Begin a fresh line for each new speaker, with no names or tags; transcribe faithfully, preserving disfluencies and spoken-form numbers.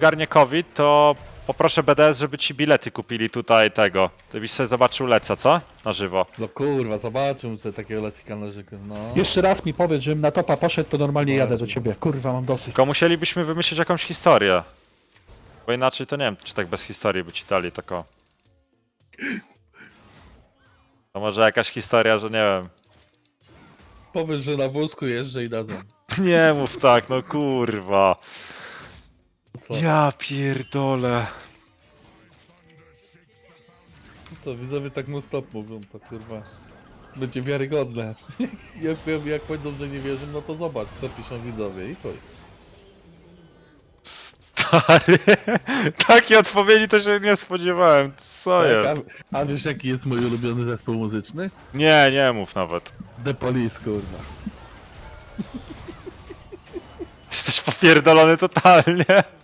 ogarnie COVID, to poproszę B D S, żeby ci bilety kupili tutaj tego. Ty byś sobie zobaczył Leca, co? Na żywo.
No kurwa, zobaczymy sobie takiego lecika na rzekę, no.
Jeszcze raz mi powiedz, żebym na topa poszedł, to normalnie jadę do
Bardzo.
ciebie. Kurwa, mam dosyć.
Tylko musielibyśmy wymyślić jakąś historię. Bo inaczej to nie wiem, czy tak bez historii by ci dali tako. To może jakaś historia, że nie wiem.
Powiesz, że na wózku jeżdżę i dadzą.
Nie mów tak, no kurwa.
Co?
Ja pierdolę.
Co, widzowie tak non stop mówią, to kurwa. Będzie wiarygodne. jak, jak, jak powiedzą, że nie wierzą, no to zobacz, co piszą widzowie i chuj.
Stary. Takiej odpowiedzi to się nie spodziewałem. Co
Tak,
jest?
a, a wiesz jaki jest mój ulubiony zespół muzyczny?
Nie, nie mów nawet.
The Police, kurwa.
Jesteś popierdolony totalnie.